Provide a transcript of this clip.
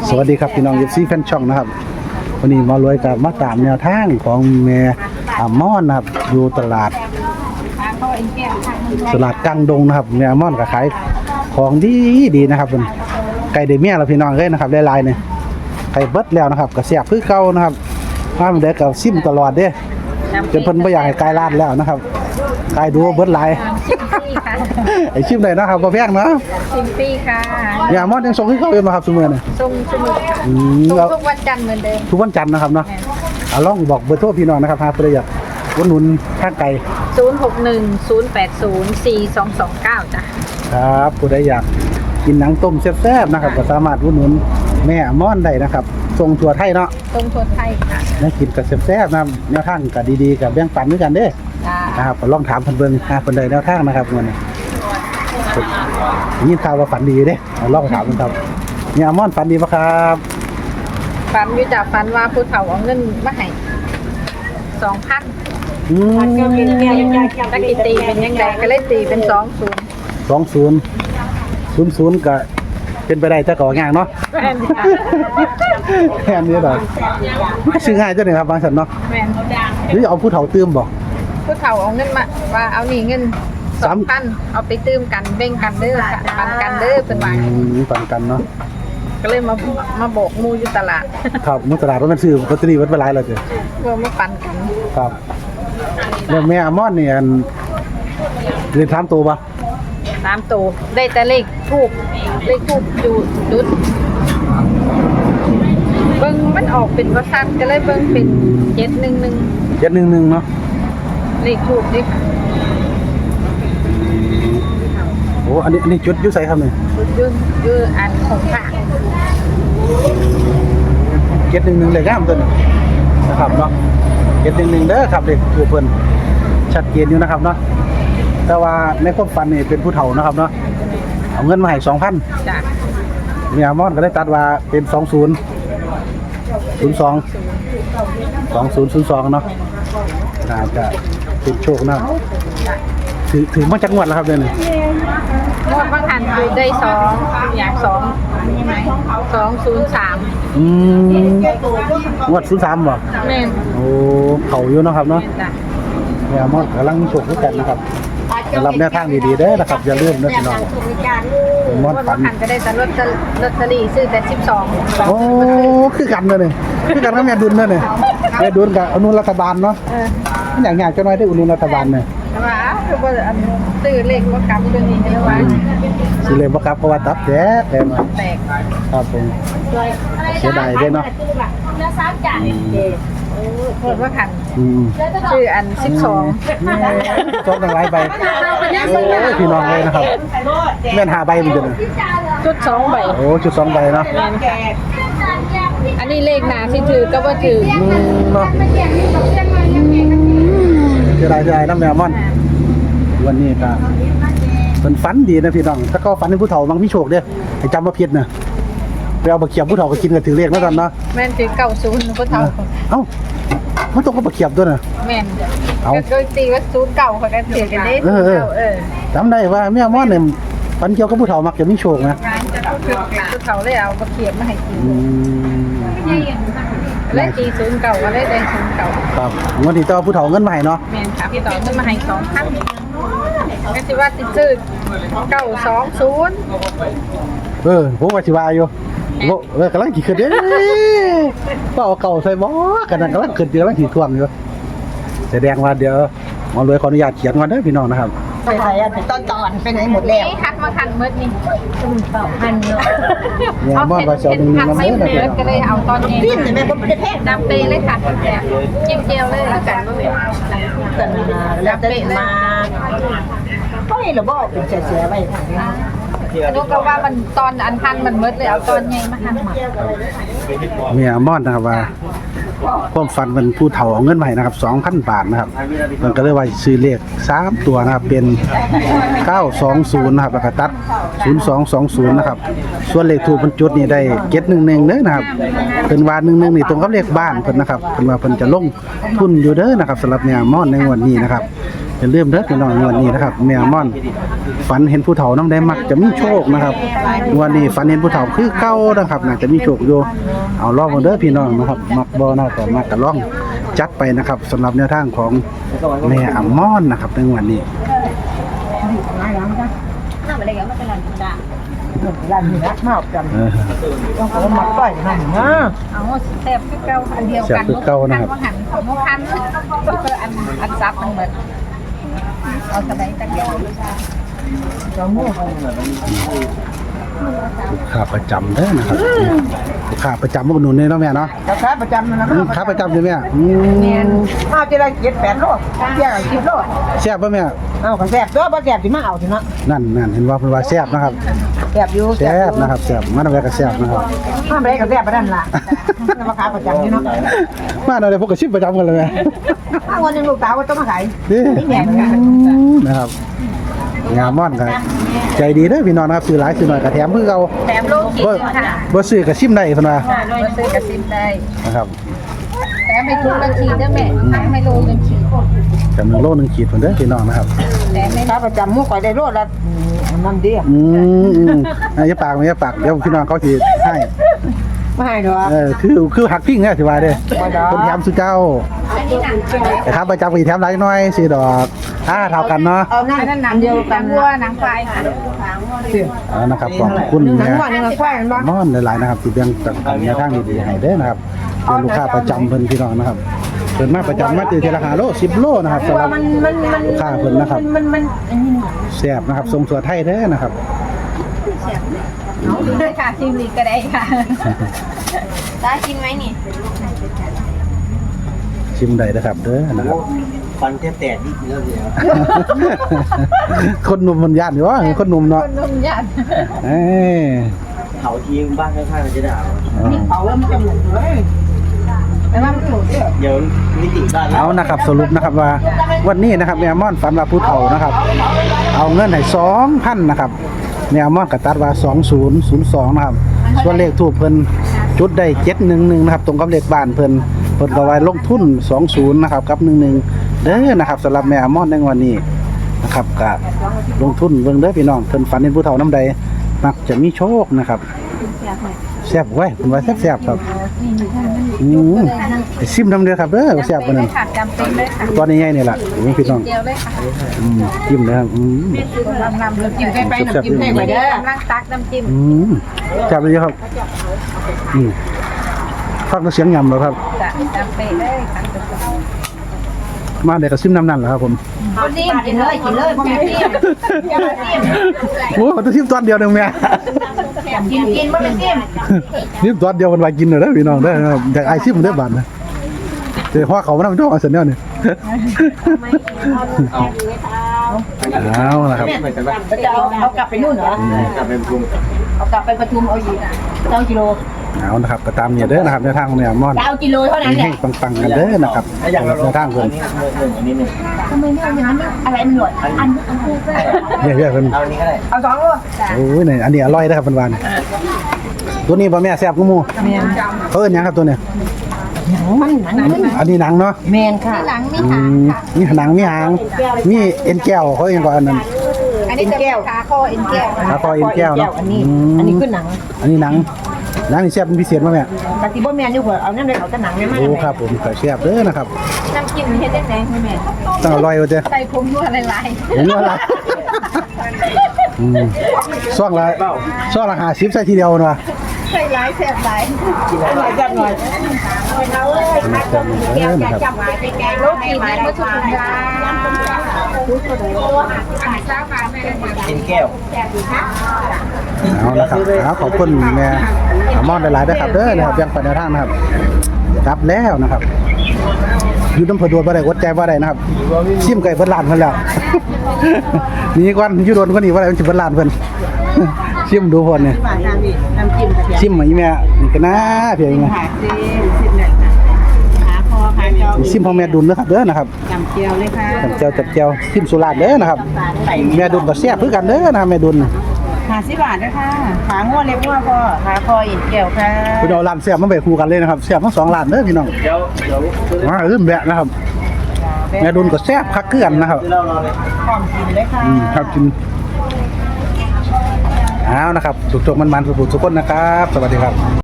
สวัสดีครับพี่น้องยูซีแฟนช่องนะครับวันนี้มารวยกับมาตามแนวทางของแม่ม่อนนะครับอยู่ตลาดกลางดงนะครับแม่ม่อนก็ขายของดีนะครับเป็นไก่เดเมียเราพี่น้องเลยนะครับลายๆเนี่ยไก่เบิดแล้วนะครับก็เสียบคือเก่านะครับถ้ามันเด็กกับซิมตลอดเด้จนเพิ่นไม่อยากให้ไก่ลาดแล้วนะครับไก่ดูเบิดลายไอชิมได้นะครับบ่แพงเนาะชิมฟรีค่ะแม่ม่อนยังส่งให้เขาอยู่นะครับซุมื้อนี่ส่งทุกวันจันทร์เหมือนเดิมทุกวันจันทร์นะครับเนาะลองบอกเบอร์โทรพี่น้องนะครับหากใครอยากอุดหนุนข้างไก่ 061-080-4229จ้ะครับผู้ใดอยากกินหนังต้มแซ่บๆนะครับก็สามารถอุดหนุนแม่ม่อนได้นะครับส่งทั่วไทยเนาะส่งทั่วไทยค่ะได้กินกับแซ่บๆนะแนวทางก็ดีๆกับแบ่งปันด้วยกันเด้นะครับก็ลองถามเพิ่นเบิ่งหาเพิ่นได้แนวทางนะครับมื้อนี้ยินข่าวว่าฝันดีเด้ลองถามเพิ่นครับแม่ม่อนฝันดีบ่ครับฝันอยู่จากฝันว่าผู้เฒ่าเอาเงินมาให้ 2,000ก็เป็นเงี้ยตะกี้ตีเป็นยังไงก็เลยตีเป็น 20ก็เป็นไปได้แต่ก็ง่ายเนาะแค่นี้ดอกซื้อง่ายจังได๋ครับบางซั่นเนาะแม่นหรือเอาผู้เฒ่าตื้มบ่ผู้เฒ่าเอาเงินมาว่าเอานี่เงิน 2,000 เอาไปตื้มกันแบ่งกันเด้อค่ะปันกันเด้อเพิ่นว่าปันกันเนาะก็เลยมาโบกมูอยู่ตลาดครับมูตลาดว่ามันซื้อลอตเตอรี่วัดไปหลายแล้วจ้ะว่ามาปันกันครับแล้วแม่ม่อนนี่อันเรียนถามตัวบ่ 3ตัวได้แต่เลขทูบอยู่จุดเบิ่งมันออกเป็นว่าซัดก็เลยเบิ่งเป็น711 เนาะเลขทูบนี่ค่ะโอ้อันนี้จุดอยู่ไสครับนี่อยู่อันของฝาก 711เลยงามตัวนี้นะครับเนาะ711เด้อครับเด็กผู้เพิ่นชัดเจนอยู่นะครับเนาะแต่ว่าในความฝันนี่เป็นผู้เฒ่านะครับเนาะเอาเงินมาให้ 2,000 จ้ะแม่ม่อนก็ได้ตัดว่าเป็น2002เนาะน่าจะเป็นโชคนะถือมาจากงวดแล้วครับเดือนนี้งวดบางหันคือได้2อย่าง203 งวด03บ่แม่นโอ้เขาอยู่เนาะครับเนาะแม่ม่อนกำลังโชคด้วยกันนะครับสำหรับแนวทางดีๆเด้อนะครับอย่าลืมนะพี่น้องม่อนฝันก็ได้แต่ลอตเตอรี่ซื้อแต่12 โอ้คือกันเลยคือกันกับแม่ดุลเลยแม่ดุลกับอนุรัฐบาลเนาะอย่างๆจะน้อยได้อนุรัฐบาลเนี่ยว่าคือว่าซื้อเลขบ่กลับตัวนี้ใช่ว่าซื้อเลขบ่กลับเพราะว่าตับแตกครับผมเสียดายเด้เนาะแล้ว3จานโคตรว่าขันชื่ออัน12 จบหลายใบพี่น้องเลยนะครับแม่น5ใบมันจะชุด2ใบโอ้ชุด2ใบเนาะอันนี้เลขหนาที่ถือก็ว่าถือเนาะเสียดายน้ำแมวม่อนวันนี้ก็เป็นฝันดีนะพี่น้องถ้าก็ฝันให้ผู้เฒ่าบางพี่โชคเด้อให้จำว่าผิดนะไปเอาบะเขียบผู้เฒ่าก็กินกันถือเลขแล้วกันเนาะแม่นถือ90ผู้เฒ่าเอ้ามันต้องก็บะเขียบด้วยนะแม่นก็ตีว่า09เขาก็ถือกันได้จำได้ว่าแม่ม่อนเนี่ยฝันเกี่ยวกับผู้เฒ่ามักจะมีโชคนะผู้เฒ่าเลยเอาบะเขียบมาให้กินและตี09ก็เลยได้09 ครับวันที่ต่อผู้เฒ่าเงินมาให้เนาะแม่นค่ะพี่ต่อเงินมาให้2,000ก็สิว่าติดซื้อ920 ผมว่าสิว่าอยู่กำลังขี่ขึ้นเด้ก็เอาเก่าใส่บ่กันนั่นกำลังขึ้นกำลังขี่ท่วงอยู่แสดงว่าเดี๋ยวหมอรวยขออนุญาตเขียนก่อนเด้อพี่น้องนะครับไปไหนอ่ะตอนไปไหนหมดแล้วทักมาคันมืดนี่ 2,000เนาะเนี่ยบ่ว่าจะนึงนำไม่เด้อก็เลยเอาตอนนี้พี่แม่บ่ได้แพงดำเปเลยค่ะแต่จิ้มเจียวเลยแล้วกันบ่แม่กันแล้วแต่มาก็นี่ล่ะบ่เป็นเสียไว้นุก็ว่ามันตอนอันทันมันมืดเลยเอาตอนใหญ่มาหั่นมาเมียม่อนนะครับว่าความฝันเป็นผู้เฒ่าเอาเงินมาให้นะครับ 2,000 บาทนะครับมันก็เลยว่าซื้อเลข3ตัวนะครับเป็น920นะครับแล้วก็ตัด0220นะครับส่วนเลขถูกบรรจุนี่ได้711เด้อนะครับเพิ่นว่า11นี่ตรงกับเลขบ้านเพิ่นนะครับเพิ่นว่าเพิ่นจะลงทุนอยู่เด้อนะครับสำหรับเนี่ยม่อนในวันนี้นะครับอย่าลืมเด้อพี่น้องวันนี้นะครับแม่ม่อนฝันเห็นผู้เฒ่าน้ำได้มักจะมีโชคนะครับวันนี้ฝันเห็นผู้เฒ่าคือเก่านะครับน่าจะมีโชคอยู่เอาลองมาเด้อพี่น้องนะครับมักบ่นะแต่มักก็ลองจัดไปนะครับสำหรับแนวทางของแม่อัมม่อนนะครับในวันนี้ร้านนี้นะมาจำต้องเอามาป้ายนั่นนะเอาแซ่บคือเก่าอันเดียวกันว่าหันของบ่คันก็คืออันซับมันเหมือนเอาสบายตะเกียบจะมั่วลูกค้าประจำเด้อนะครับลูกค้าประจำมาอุดหนุนเลยเนาะแม่เนาะราคาประจำนะลูกค้าประจำเลยแม่มาจะได้7-8 โลเที่ยง10 โลแซ่บป่ะแม่เอาก็แซ่บตัวบ่แซ่บสิมาเอาสิเนาะนั่นเห็นว่าเพิ่นว่าแซ่บนะครับแซ่บอยู่แซ่บนะครับแซ่บมาหน่อยก็แซ่บนะครับมาไปก็แซ่บไปนั่นล่ะราคาประจำนี่เนาะมาหน่อยพวกก็ชิมประจำกันเลยแม่วันนึงลูกสาวก็ต้องมาขายนี่นะครับงามม่อนกันใจดีเด้อพี่น้องนะครับซื้อหลายซื้อหน่อยก็แถมเพิ่งเอาแถมโลกินค่ะบ่ซื้อก็ชิมได้เพิ่นว่าโดยซื้อกระซิบได้นะครับแถมให้ทุกนาทีเด้อแม่แถมให้โลนึงขีดจำนวนโลนึงขีดเพิ่นเด้อพี่น้องนะครับแถมไม่ราคาประจำมู่ข่อยได้โลละน้ำดีอย่าปากอย่าปากเดี๋ยวพี่น้องเขาสิให้ไม่ให้ดอกคือหักพิ้งเนี่ยสิว่าเด้อคนแถมสุเจ้าอันนี้หนังนะครับประจำก็สิแถมหลายหน่อยสิดอกเท่ากันเนาะเอานั่นหนังเดียวกันวัวหนังควายค่ะนะครับขอบคุณหนังนะว่าหนังควายมันบ่ม่อนหลายๆนะครับที่เบี้ยงตัดแนวทางดีๆให้เด้อนะครับเป็นลูกค้าประจำเพิ่นพี่น้องนะครับเพิ่นมาประจำมาเทละ5โล10โลนะครับสำหรับลูกค้าเพิ่นนะครับมันอันนี้แซ่บนะครับทรงตัวไทยเด้อนะครับเอาดูเลยค่ะชิมลีก็ได้ค่ะได้กินไหมนี่ชิมได้นะครับเด้อนะครับฟันแทบแตกนิดเดียวเดียวคนหนุ่มมันย่านอยู่วะคนหนุ่มเนาะคนนุ่มยันเอ้ยเผาทีบ้านข้างๆมันจะด่าเผาแล้วมันจะหมดเลยแต่ว่ามันถูกเดี๋ยวนิติบ้านเอานะครับสรุปนะครับว่าวันนี้นะครับแมวมอนฝันว่าผู้เฒ่านะครับ เอาเงินให้2,000นะครับแมวมอนก็ตัดว่า2002นะครับส่วนเลขทูปเพิ่นจุดได้711นะครับตรงกับเลขบ้านเพิ่นก็ไว้ลงทุน20นะครับกับ11เด้อนะครับสำหรับแมวมอนในวันนี้นะครับก็ลงทุนเบิ่งเด้อพี่น้องเพิ่นฝันเห็นผู้เฒ่านำใดมักจะมีโชคนะครับแซ่บไว้เพิ่นว่าแซ่บๆครับไปซิมนำเด้อครับเด้อแซ่บกว่านั้นค่ะจำเป็นเลยค่ะตอนนี้ใหญ่นี่ล่ะพี่น้องเดียวเลยค่ะจิ้มเลยครับน้ำจิ้มใกล้ไปน้ำจิ้มใกล้ไปเด้อกำลังตักน้ำจิ้มจับเลยครับฟังเสียงยำเหรอครับจะจำเป็นเลยค่ะมาเด็กก็ซิมน้ำนั่นเหรอครับผมคนนี้กินเลยพ่อแม่จิ้มโอ้ต้องซิมตอนเดียวหนึ่งแม่กินไม่เป็นจิ้มซิมตอนเดียวมันไว้กินเลยนะพี่น้องได้ครับจากไอซิมได้บาทนะเดี๋ยวพ่อเขามาทำจ้องเอาเสร็จแล้วนี่เอาละครับจะเอากลับไปนู่นเหรอกลับไปปรุงเอากลับไปปทุมเอาอีก9 กิโลเอานะครับก็ตามเนี่ยเด้อนะครับในทางเนี่ยมอน 9 กิโลเท่านั้นแหให้ละปังๆกันเด้อนะครับในทางเพิ่นอันนี้หนึ่งทำไมไม่เอาอย่างนั้นอะไรมันหนวดอันเนี่ยเพิ่นเอาอันนี้ก็ได้เอา2 โลโอ้ยนี่อันนี้อร่อยนะครับเพิ่นว่าตัวนี้บ่แม่แซ่บกูหมู่เขาเอิ้นหยังครับตัวเนี้ยมันหนังอันนี้หนังเนาะแมนค่ะหลังมีมีหนังมีหางมีเอ็นแก้วเขาเองก็อันนั้นอันนี้จะขาคอเอ็นแก้วขาคอเอ็นแก้วเนาะอันนี้คือหนังอันนี้หนังนี่แซ่บเป็นพิเศษมั้ยแม่กะติบ่แมนอยู่หัวเอานั่นเลยเอาแต่หนังไม่มาโอ้ครับผมก็แซ่บเด้อนะครับน้ำจิ้มเฮ็ดได้ไหมแม่ต้องอร่อยว่าเด้อใส่ผงนัวหลายเห็นว่าล่ะซ่องละ50ใส่ทีเดียวเนาะๆใส่หลายแซ่บหลายหน่อยจับหน่อยนะครับจับไว้ไปแกงโลกินมาทุกคนจ้าข้าวมาแม่กินแก้วเอาละครับขอบคุณแม่มอนหลายๆด้วยครับเด้อนะครับยังปันแนวทางนะครับกลับแล้วนะครับอยู่น้ำผดวนบ่ได้อดใจบ่ได้นะครับชิมไก่เพิ่นล้านเพิ่นแล้ว นี่ก่อนอยู่โดนคนนี้บ่ได้มันสิเพิ่นล้านเพิ่น ชิมดูเพิ่นเนี่ยน้ำจิ้มกระเทียมชิมมาอีแม่นี่ก็น่าเพียงไงขาคอขาจอชิมของแม่ดุลนะครับเด้อนะครับจำเจียวเลยค่ะจับเจียวชิมสุราษฎร์เด้อนะครับแม่ดุลก็แซ่บคือกันเด้อนะครับแม่ดุล 50 บาทนะคะขางัวเล็บงัวพอขาคออินเกี่ยวค่ะพี่น้องร้านแซ่บมาไปคู่กันเลยนะครับแซ่บทั้ง2ร้านเด้อพี่น้องเดี๋ยวมาลืมแบะนะครับแม่ดุลก็แซ่บคักเกลือนนะครับซื้อเหล้ารอเลยพร้อมกินเลยค่ะครับกินเอานะครับสุกๆมันๆสุกๆทุกคนนะครับ สวัสดีครับ